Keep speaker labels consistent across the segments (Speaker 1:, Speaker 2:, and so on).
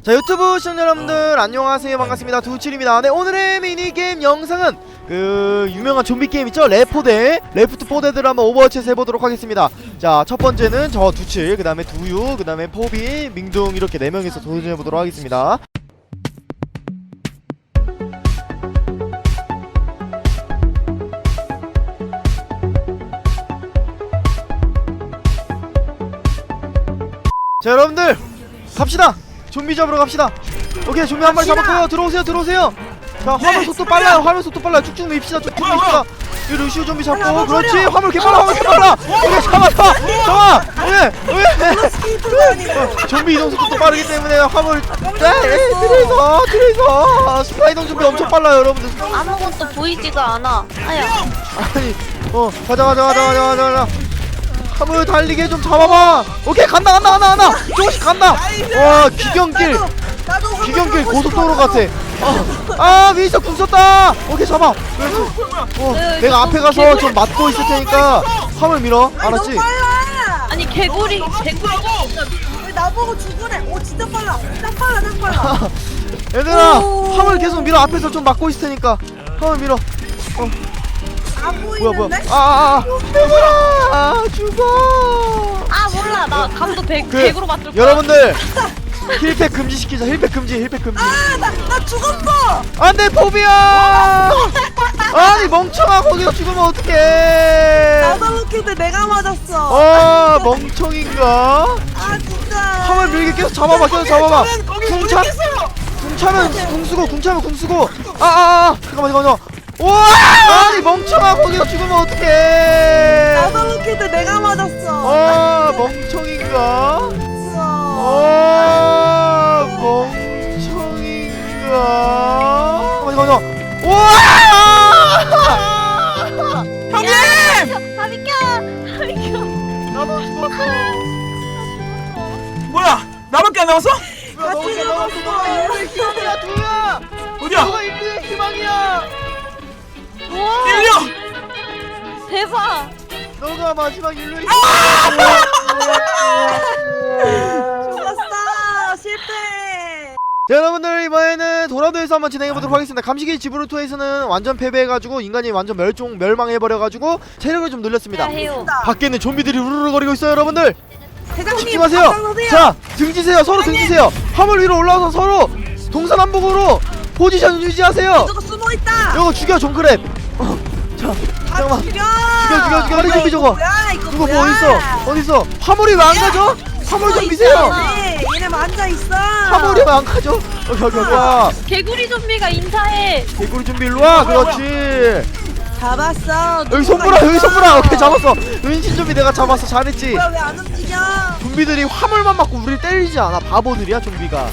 Speaker 1: 자, 유튜브 시청자 여러분들 안녕하세요, 반갑습니다. 두칠입니다. 네, 오늘의 미니게임 영상은 그 유명한 좀비 게임 있죠? 레포대, 레프트 4데드를 한번 오버워치에서 해보도록 하겠습니다. 자, 첫 번째는 저 두칠, 그 다음에 두유, 그 다음에 포비, 민둥 이렇게 4명이서 도전해보도록 하겠습니다. 자, 여러분들 갑시다. 좀비 잡으러 갑시다. 오케이, 좀비 한 마리 잡았고요. 들어오세요, 들어오세요. 자, 화물 속도 빨라요. 화물 속도 빨라요. 쭉쭉 밉시다. 쭉쭉 밉시다. 이 루시우 좀비 잡고, 그렇지. 화물 개빨라, 화물 개빨라. 오케이, 잡아. 좀비 이동 속도 빠르기 때문에 화물. 트레이서. 스파이더 좀비 엄청 빨라요, 여러분들.
Speaker 2: 아무것도 보이지가 않아. 아야.
Speaker 1: 아니, 가자. 화물 달리게 좀 잡아봐. 오케이, 간다. 조금씩 간다. 와, 귀경길 고속도로 같아. 위에서 궁 썼다. 오케이, 잡아. 내가 앞에 가서 좀 맞고 있을 테니까 화물 밀어. 알았지?
Speaker 2: 아니 개구리.
Speaker 3: 왜 나보고 죽으래? 오 진짜 빨라. 딱 빨라.
Speaker 1: 얘들아, 화물 계속 밀어. 앞에서 좀 맞고 있을 테니까 화물 밀어.
Speaker 3: 안
Speaker 1: 뭐야.
Speaker 3: 보이는데?
Speaker 1: 얘들아, 죽어.
Speaker 2: 아 몰라. 나 감도 개구로 맞을 거야.
Speaker 1: 여러분들 힐팩 금지시키자. 힐팩 금지.
Speaker 3: 나 죽었어.
Speaker 1: 안돼, 포비야. 아니, 멍청아, 거기서 죽으면 어떡해.
Speaker 3: 나도 웃긴데 내가 맞았어.
Speaker 1: 멍청인가?
Speaker 3: 아 진짜.
Speaker 1: 화물 밀게 계속 잡아봐. 궁 차면 궁 쓰고. 잠깐만. 우와! 아니, 멍청아, 거기서 죽으면 어떡해.
Speaker 3: 나도 웃긴데 내가 맞았어.
Speaker 1: 멍청인가? 잠깐만. 우와!
Speaker 2: 형님! 다 비켜.
Speaker 1: 나도 죽었어.
Speaker 4: 뭐야? 나밖에 안 남았어?
Speaker 1: 너가 희망이야, 두야.
Speaker 4: 어디야?
Speaker 1: 너가 인류의 희망이야.
Speaker 2: 우와.
Speaker 4: 일려!
Speaker 2: 대박.
Speaker 1: 너가 마지막 인류의
Speaker 3: 죽었어. 실패.
Speaker 1: 자, 여러분들 이번에는 도라도에서 한번 진행해보도록 하겠습니다. 감시기 지브루토에서는 완전 패배해가지고 인간이 완전 멸망해버려가지고 체력을 좀 늘렸습니다.
Speaker 2: 해요.
Speaker 1: 밖에는 좀비들이 우르르거리고 있어요. 여러분들
Speaker 3: 대장님
Speaker 1: 집중하세요.
Speaker 3: 앞장서세요.
Speaker 1: 자, 등지세요. 서로 등지세요. 화물 위로 올라와서 서로 동서남북으로 포지션 유지하세요.
Speaker 3: 누가 숨어 있다.
Speaker 1: 이거 죽여, 존크랩. 자, 잠깐만. 죽여. 다리 좀비 저거.
Speaker 3: 뭐야 이거
Speaker 1: 누가
Speaker 3: 뭐야?
Speaker 1: 뭐 어딨어? 화물이 왜 안 가죠? 화물 좀 미세요.
Speaker 3: 얘네 앉아 있어.
Speaker 1: 화물이 왜 안 가죠? 오케이. 와,
Speaker 2: 개구리 좀비가 인사해.
Speaker 1: 개구리 좀비 일로 와. 그렇지.
Speaker 3: 잡았어.
Speaker 1: 여기 손보라. 오케이, 잡았어. 은신 좀비 내가 잡았어. 잘했지.
Speaker 3: 뭐야 왜 안 움직여?
Speaker 1: 좀비들이 화물만 맞고 우리를 때리지 않아. 바보들이야, 좀비가.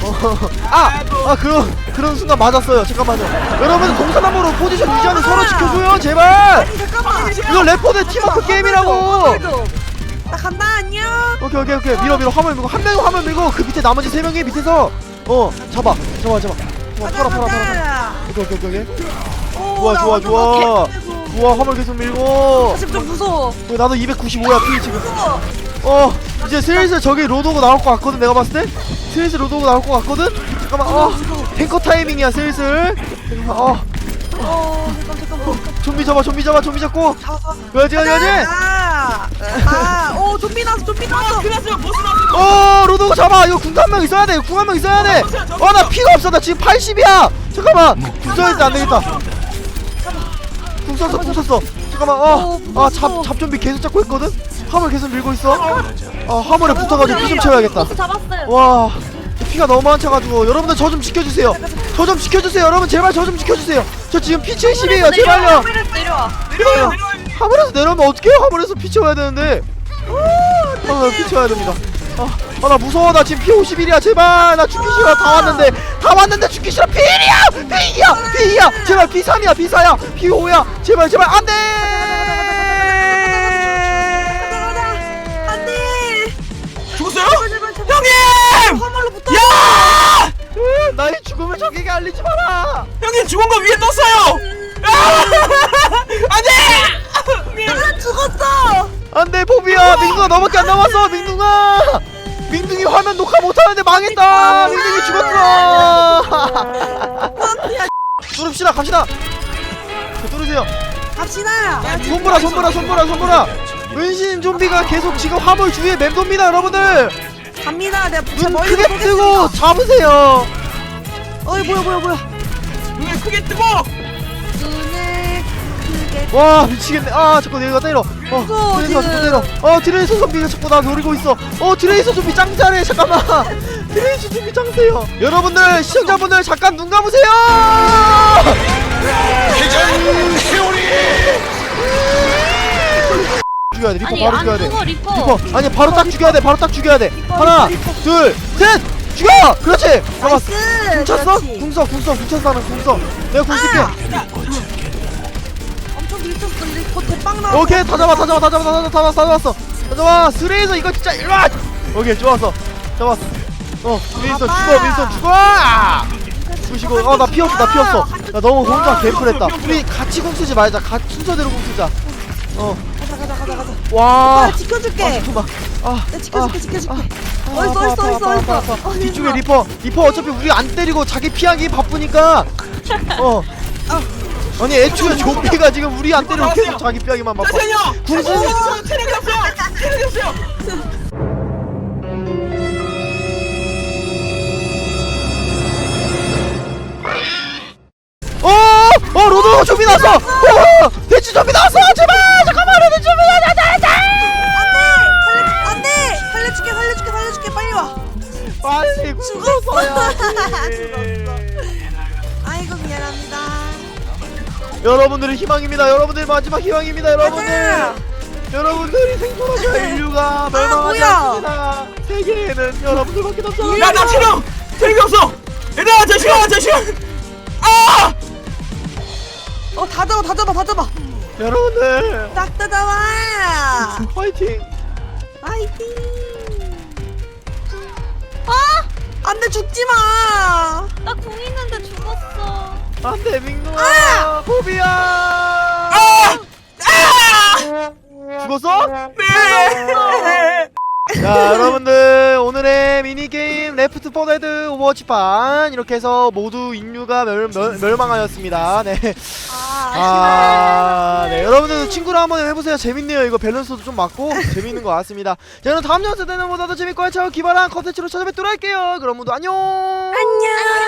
Speaker 1: 그런 순간 맞았어요. 잠깐만요. 여러분, 동서남으로 포지션 유지하는 서로 지켜줘요, 제발.
Speaker 3: 아니 잠깐만.
Speaker 1: 이거 레포드 팀워크 게임이라고.
Speaker 3: 나 간다 안녕.
Speaker 1: 오케이. 밀어. 화물 밀고, 한 명이 화물 밀고, 그 밑에 나머지 3명이 밑에서 잡아. 팔아. 오케이. 좋아. 우와, 화물 계속 밀고.
Speaker 3: 사실 좀 무서워.
Speaker 1: 나도 295야 피 지금. 이제 슬슬 저기 로드오고 나올 것 같거든. 내가 봤을 때 슬슬 로드오고 나올 것 같거든. 잠깐만. 탱커 타이밍이야 슬슬.
Speaker 3: 잠깐만.
Speaker 1: 좀비 잡고. 그렇지.
Speaker 3: 오 좀비 나왔어.
Speaker 4: 끝났어요. 보스 나왔어요.
Speaker 1: 로드오고 잡아. 이거 궁 한 명 있어야 돼. 나 피가 없어. 나 지금 80이야 잠깐만. 궁 써야 돼. 안 되겠다. 궁 썼어. 잠깐만. 잡 좀비 계속 잡고 있거든. 화물 계속 밀고 있어. 화물에 붙어가지고 피 좀 채워야겠다.
Speaker 2: 잡았어요.
Speaker 1: 와, 피가 너무 안 차가지고. 여러분들 저 좀 지켜주세요. 여러분 제발 저 좀 지켜주세요. 저 지금 피 70이에요. 제발요.
Speaker 2: 내려와.
Speaker 1: 화물에서 내려오면 어떡해요. 화물에서 피 채워야 되는데. 피 채워야 됩니다. 나 무서워. 나 지금 피 51이야. 제발. 나 죽기 싫어. 다 왔는데 죽기 싫어. P1이야. 제발 P3이야. P4야. P5야. 제발 안돼.
Speaker 4: 죽었어요?
Speaker 3: 제발.
Speaker 4: 형님!
Speaker 3: 화물로 붙어.
Speaker 4: 야!
Speaker 1: 나의 죽음을 적에게 알리지 마라.
Speaker 4: 형님 죽은 거 위에 떴어요. 안돼!
Speaker 3: 나 죽었어.
Speaker 1: 안돼, 포비야. 민둥아, 너밖에 안 남았어. 민둥아. 민둥이 화면 녹화 못하는데 망했다. 민둥이 죽었어. 뚫읍시다. 갑시다. 뚫으세요.
Speaker 3: 갑시다.
Speaker 1: 손보라. 은신 좀비가 계속 지금 화물 주위에 맴돕니다, 여러분들.
Speaker 3: 갑니다. 내가
Speaker 1: 눈
Speaker 3: 멀리서
Speaker 1: 크게 뜨고
Speaker 3: 보겠습니다.
Speaker 1: 잡으세요.
Speaker 3: 어이 뭐야.
Speaker 4: 눈을 크게 뜨고.
Speaker 3: 눈을 크게.
Speaker 1: 와 미치겠네. 아 자꾸 내가 때려. 트레이서 자꾸 때려. 트레이서 좀비가 자꾸 나 노리고 있어. 트레이서 좀비 짱 잘해. 잠깐만. 트레이서 좀비 짱 세요. 여러분들 시청자분들 잠깐 눈 감으세요. 죽여야 돼. 리퍼
Speaker 2: 아니
Speaker 1: 바로
Speaker 2: 안
Speaker 1: 죽여야 돼.
Speaker 2: 죽어 리퍼.
Speaker 1: 리퍼 아니 바로 딱 죽여야 돼. 바로 딱 죽여야 돼. 하나 둘 셋 죽여. 그렇지. 잡았어.
Speaker 3: 나이스.
Speaker 1: 궁 찼어?
Speaker 3: 그렇지.
Speaker 1: 궁 쳤어 나는 궁 써. 내가 궁 쓸게.
Speaker 3: 엄청 밀쳤어. 이거 대빵 나와.
Speaker 1: 오케이 다 잡았어. 스레이서 이거 진짜 일로와. 오케이 좋았어. 잡았어. 윈선 죽어. 주시고 나 피었어. 나 너무 혼자 개풀했다. 우리 같이 궁 쓰지 말자. 순서대로 궁 쓰자.
Speaker 3: 가자.
Speaker 1: 와.
Speaker 3: 오빠 지켜줄게.
Speaker 1: 잠깐만.
Speaker 3: 내가 지켜줄게.
Speaker 1: 아파.
Speaker 3: 어딨어.
Speaker 1: 뒤쪽에 리퍼 어차피 우리 안 때리고 자기 피하기 바쁘니까. 아니 애초에 좀비가 지금 우리 안 때리고 계속 자기 피하기만 바빠.
Speaker 4: 잠시만요.
Speaker 1: 궁수.
Speaker 4: 체력이 없어요.
Speaker 1: 로드 좀비 나왔어. 돼지 좀비 나왔어. 제발 잠깐만 로드 좀비 나왔다.
Speaker 3: 안돼. 살려줄게. 빨리 와.
Speaker 1: 빨리
Speaker 3: 죽었어.
Speaker 1: 죽었어요.
Speaker 3: 아이고 미안합니다.
Speaker 1: 여러분들이 희망입니다. 여러분들 마지막 희망입니다.
Speaker 3: 맞아요.
Speaker 1: 여러분들이 생존하셔야 인류가 멸망하지
Speaker 3: 뭐야.
Speaker 1: 않습니다. 세계에는 여러분들밖에 없어.
Speaker 4: 야나 체력이 없어. 얘들아 잠시만.
Speaker 3: 다 잡아.
Speaker 1: 여러분들
Speaker 3: 딱 뜯어와.
Speaker 1: 파이팅.
Speaker 3: 파이팅. 안돼 죽지 마.
Speaker 2: 나 궁 있는데 죽었어.
Speaker 1: 안돼 민누아. 호비야. 죽었어?
Speaker 4: 네.
Speaker 1: 자 여러분들 오늘의 미니게임 레프트 4 데드 오버워치판 이렇게 해서 모두 인류가 멸망하였습니다. 네. 네 여러분들도 친구랑 한번 해보세요. 재밌네요. 이거 밸런스도 좀 맞고 재밌는 것 같습니다. 자 그럼 다음 영상 때는 보다 더 재밌고 알차고 기발한 컨텐츠로 찾아뵙도록 할게요. 그럼 모두 안녕.